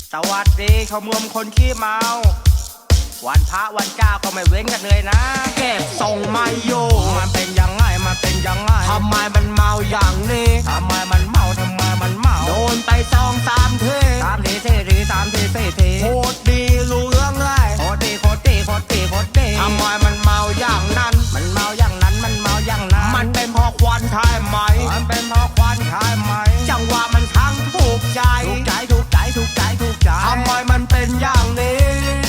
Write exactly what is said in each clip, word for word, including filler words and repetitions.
สวัสดีขมวมคนขี้เมาวันพระวันเจ้าก็ไม่เว้นกันเลยนะเก็บทรงไม่อยู่มันเป็นยังไงมันเป็นยังไงทำไมมันเมาอย่างนี้ทำไมมันเมาทำไมมันเมาโดนไปสองสามทีสามทีสี่ทีสามทีสี่ทีโคตรดีรู้เรื่องเลยโคตรดีโคตรดีโคตรดีโคตรดีทำไมมันเมาอย่างนั้นมันเมาอย่างนั้นมันเมาอย่างนั้นมันเป็นเพราะควันใช่ไหมมันเป็นเพราะควันใช่ไหมจังหวะมันทั้งถูกใจถูกใจถูกใจถูกใจถูกใจทำไมมันเป็นอย่างนี้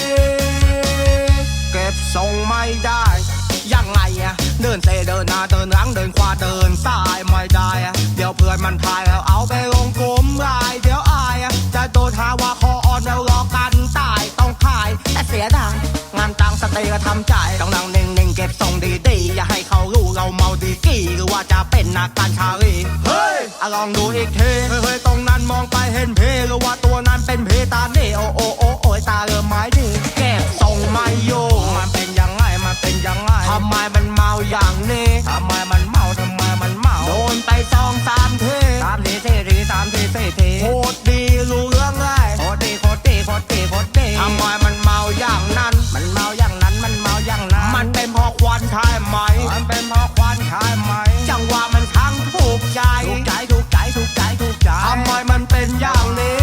เก็บทรงไม่ได้ยังไงอะเดินเซเดินหน้าเดินหลังเดินขวาเดินซ้ายไม่ได้อะเดี๋ยวเพื่อนมันถ่ายแล้วเอาไปลงกลุ่มไลน์เดี๋ยวอายอะจะโดนหาว่าคออ่อนแล้วรอกันตายต้องขายแต่เสียดายงานตังสเตย์ก็ทำใจต้องนั่งนิ่งๆเก็บทรงดีๆอย่าให้เขารู้เราเมาดีกี่หรือว่าจะเป็นนักการชาลีเฮ้ยลองดูอีกทีเฮ้ยตรงนั้นมองไปเห็นเพหรือว่าตัวนั้นเป็นเพตาเน่โอโอโอโอยตาเริ่มไม้ดีเก็บทรงไม่อยู่มันเป็นยังไงมันเป็นยังไงทำไมมันเมาอย่างนี้ทำไมมันเมาทำไมมันเมาโดนไปสองสามทีสามทีสี่ทีสามทีสี่ทีโคตรดีรู้เรื่องเลยโคตรดีโคตรดีโคตรดีโคตรดีทำไมมันเมาอย่างนั้นมันเมาอย่างนั้นมันเมาอย่างนั้นมันเป็นเพราะควันใช่ไหมมันเป็นเพราะควันใช่ไหมจังหวะมันทั้งถูกใจถูกใจถูกใจถูกใจถูกใจทำไมมันเป็นอย่างนี้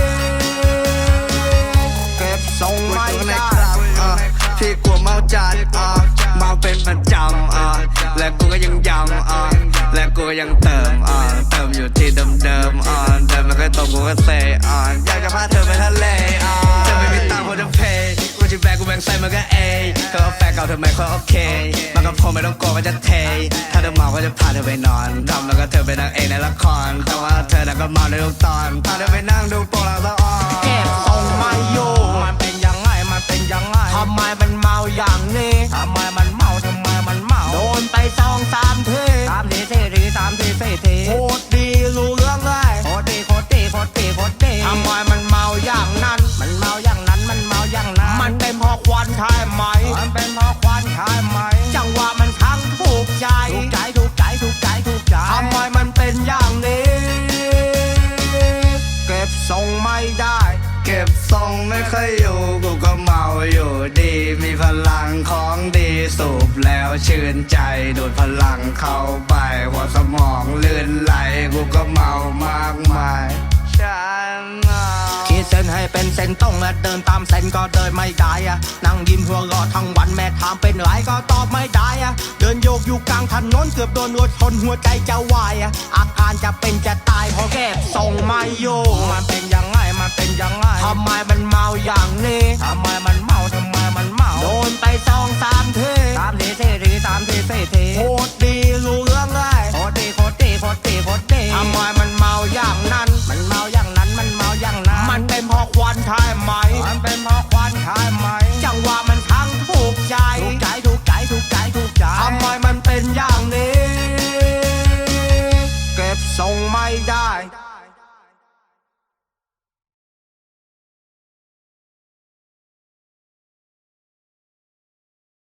เก็บทรงไม่ได้พี่กลัวเมาจัดอ่ะเมาเป็นประจำอ่ะและกูก็ยังย้ำอ่ะและกูก็ยังเติมอ่ะเติมอยู่ที่เดิมๆอ่ะเดิมมันก็ตรงกูก็เซอ่ะอยากจะพาเธอไปทะเลอ่ะเธอไม่มีตังค์พอจะเพย์กูจะแบกกูแบ่งใส่มันก็เอเธอเอาแฟนเก่าเธอไม่ค่อยโอเคมันก็พอไม่ต้องกลัวว่าจะเทถ้าเธอเมาก็จะพาเธอไปนอนทำแล้วก็เธอไปนั่งเองในละครแต่ว่าเธอน่ะก็เมาในทุกตอนพาเธอไปนั่งดูโปรแล้วก็อ่อนเก็บทรงไม่อยู่มันเป็นยังไงมันเป็นยังไงทำไมมันเมาอย่างนี้ทำไมมันเมาทำไมมันเมาโดนไปสองสามทีสามทีสี่ทีสามทีสี่ทีโคตรดีรู้เรื่องเลยโคตรดีโคตรดีโคตรดีโคตรดีทำไมมันเมาอย่างนั้นมันเมาอย่างนั้นมันเมาอย่างนั้นมันเป็นเพราะควันใช่ไหมมันเป็นเพราะควันใช่ไหมจังหวะมันทั้งถูกใจถูกใจถูกใจถูกใจถูกใจทำไมมันเป็นอย่างนี้เก็บทรงไม่ได้เก็บทรงไม่ค่อยอยู่กูก็เมาอยู่ดีมีพลังของดีสูบแล้วชื่นใจดูดพลังเข้าไปหัวสมองลื่นไหลกูก็เมามากมายฉันขีดเส้นให้เป็นเส้นตรงและเดินตามเส้นก็เดินไม่ได้อะนั่งยิ้มหัวเราะทั้งวันแม่ถามเป็นไรก็ตอบไม่ได้อะเดินโยกอยู่กลางถนนเกือบโดนรถชนหัวใจจะวายอะอาการจะเป็นจะตายเพราะเก็บทรงไม่อยู่มันเป็นยังไงมันเป็นยังไงทำไมมันเมาอย่างนี้ทำไมมันเมาทำไมมันเมาโดนไปสองสามทีสามทีสี่ทีสามทีสี่ทีโคตรดีรู้เรื่องเลยโคตรดีโคตรดีโคตรดีโคตรดีทำไมมันเมาอย่างนั้นมันเมาอย่างนั้นมันเมาอย่างนั้นมันเป็นเพราะควันใช่ไหมมันเป็นเพราะควันใช่ไหมจังหวะมันทั้งถูกใจถูกใจถูกใจถูกใจถูกใจทำไมมันเป็นอย่างนี้เก็บทรงไม่ได้